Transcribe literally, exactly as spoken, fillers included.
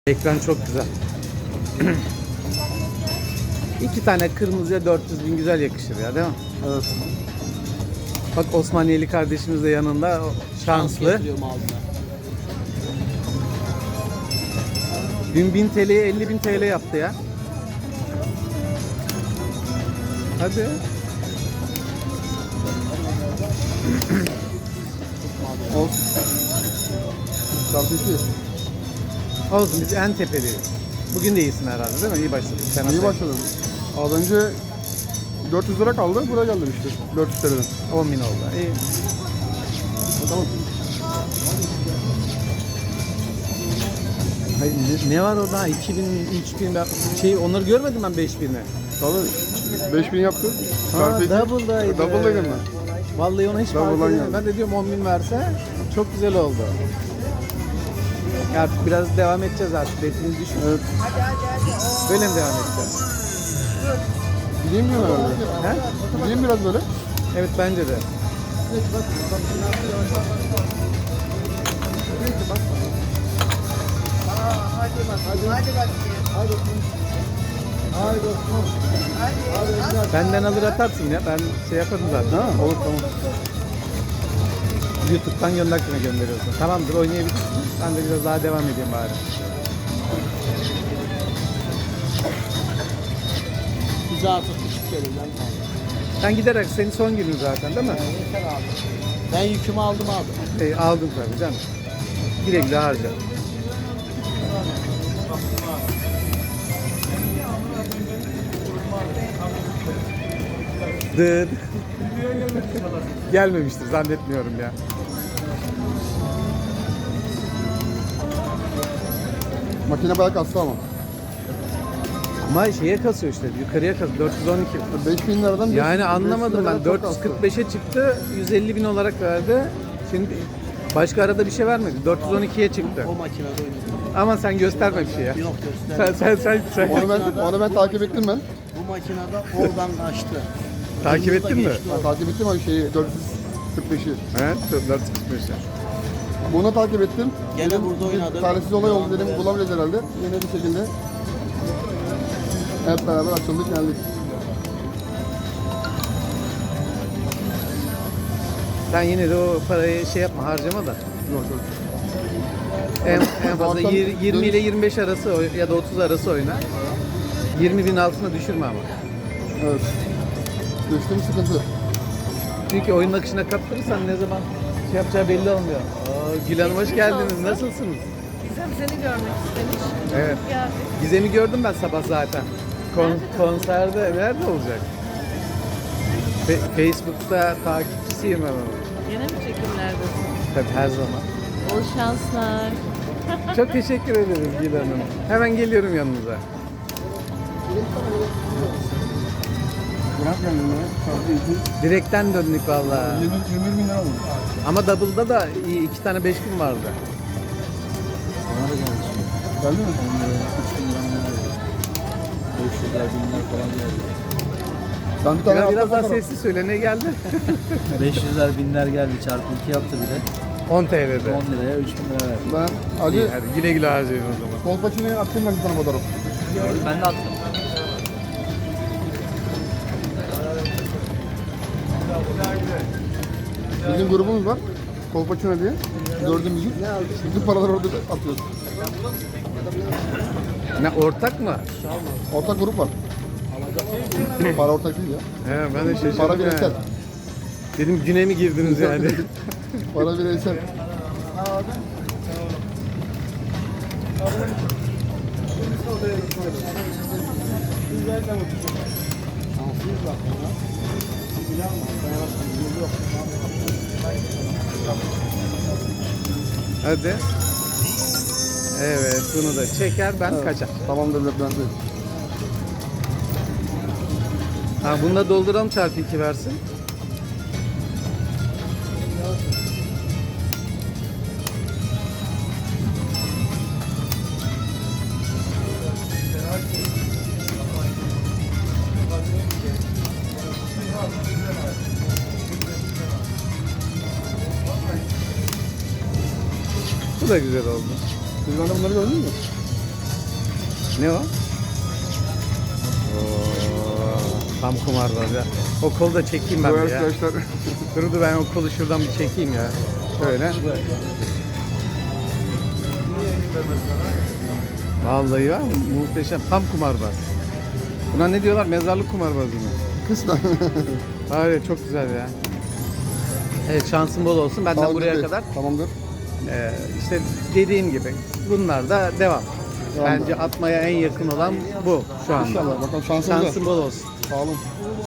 Ekran çok güzel. İki tane kırmızıya dört yüz bin güzel yakışır ya, değil mi? Evet. Bak Osmaniyeli kardeşimiz de yanında, o şanslı. Dün bin T L'ye elli bin T L yaptı ya. Hadi. Olsun. Çarpı iki. Olsun, biz en tepeliyiz. Bugün de iyisin herhalde, değil mi? İyi başladın. Sen İyi başladın. Az önce dört yüz lira kaldı, buraya geldim işte. dört yüz T L'den. on bin oldu. İyi. Tamam. Hayır, ne, ne var orada? iki bin, üç bin, ben şey, onları görmedim ben beş bini. Tabii. beş bin yaptı. Ha, Çarpı iki. double'daydı. Double'daydım ben. Vallahi ona hiç fark Double'dan edemedim. geldi. Ben de diyorum on bin verse çok güzel oldu. Artık biraz devam edeceğiz artık. Betimiz düşmüş. Evet. Böyle mi devam edeceğiz? Gideyim mi herhalde? He? Gideyim biraz böyle. Evet, bence de. Benden alır atarsın ya. Ben şey yaparım zaten. Ha, olur tamam. YouTube'dan gönderkime gönderiyorsun. Tamamdır, oynayabilirsin. Ben de biraz daha devam edeyim bari. Bize artık küçük gelir lan. Sen giderek senin son günün zaten, değil mi? Yeter abi. Ben yükümü aldım abi. E, aldın tabii canım. Güle güle harca. Dıt. Gelmemiştir zannetmiyorum ya. Makine bayağı kastı ama. Ama şeye kasıyor işte, yukarıya kasıyor. dört yüz on iki. beş bin liradan Yani anlamadım ben. çok dört yüz kastı. kırk beşe çıktı, yüz elli bin olarak verdi. Şimdi başka arada bir şey vermedi. dört yüz on ikiye çıktı. O makinede oynadım. Ama sen gösterme bir şey ya. Yok Sen göster. sen sen, sen. Onu ben, onu ben takip ettim ben. Bu makinede oradan kaçtı. Takip Kırmızı da ettin mi? geçti Ben o. takip ettim abi şeyi dört yüz kırk beşi. Evet, dört yüz kırk beşe. Bunu takip ettim. Gene Dedim, burada bir oynadım. Talihsiz olay oldu dedim, bulamayacağız herhalde. Yine bir şekilde hep beraber açıldık geldik. Sen yine de o parayı şey yapma, harcama da. Yok yok. En, en fazla Zaten yirmi ile dönüş- yirmi beş arası oy- ya da otuz arası oyna. yirmi bin altına düşürme ama. Evet. Düştüğüm sıkıntı. Çünkü oyunun akışına kaptırırsan ne zaman şey yapacağı belli olmuyor. Aa, Gül Hanım hoş geldiniz. Nasılsınız? Gizem seni görmek istemiş. Evet. Geldik. Gizem'i gördüm ben sabah zaten. Kon- konserde nerede olacak? Fe- Facebook'ta takipçisiyim ben onun. Yine mi çekimlerdesin? Tabii, her zaman. Bol şanslar. Çok teşekkür ederim Gül Hanım. Hemen geliyorum yanınıza. Bırak yani ya. Çarpı iki. Direkten döndük vallahi. yirmi, yirmi bin lira oldu. Ama double'da da iyi, iki tane beş gün vardı. Bana da geldi şimdi. Geldi mi? üç bin lira mı? beş yüzler, binler falan geldi. Ben bir tane Biraz, biraz altta daha fotoğraf- sessiz söyle, ne geldi? beş yüzler binler geldi, çarpı iki yaptı bir de. on T L'de. on liraya üç bin lira verdi. Ben İyi, acı hadi güle güle harcayın o zaman. Kolpaçino'ya attım ben bir tane fotoğraf. Ben de attım. Bizim grubumuz var. Kolpaçino diye. Dördümüzün. Bütün paraları orada atıyoruz. Ne, ortak mı? Ortak grup var. Para ortak değil ya. He, ben de şaşırdım. Para yani. bireysel. Dedim güne mi girdiniz yani? Para bireysel. Hadi. Evet, bunu da çeker, ben kaçar. Tamam devlet ben de. Ha, bunu da dolduralım, çarpı iki versin. Bu da güzel oldu. Siz bana bunları gördünüz mü? Ne o? Oo, tam kumarbaz ya. O kolu da çekeyim ben Bu bir ya. arkadaşlar Dur dur ben o kolu şuradan bir çekeyim ya. Şöyle. Vallahi var mı? Muhteşem. Tam kumarbaz. Buna ne diyorlar? Mezarlık kumarbazı mı? kısmen. Var ya çok güzel ya. Evet şansın bol olsun. Benden Tamamdır buraya Bey, kadar. Tamamdır. Ee, işte dediğim gibi bunlar da devam. Devam. Bence atmaya en yakın olan bu şu anda. İnşallah bakalım şansımıza. Şansın bol olsun. Sağ olun.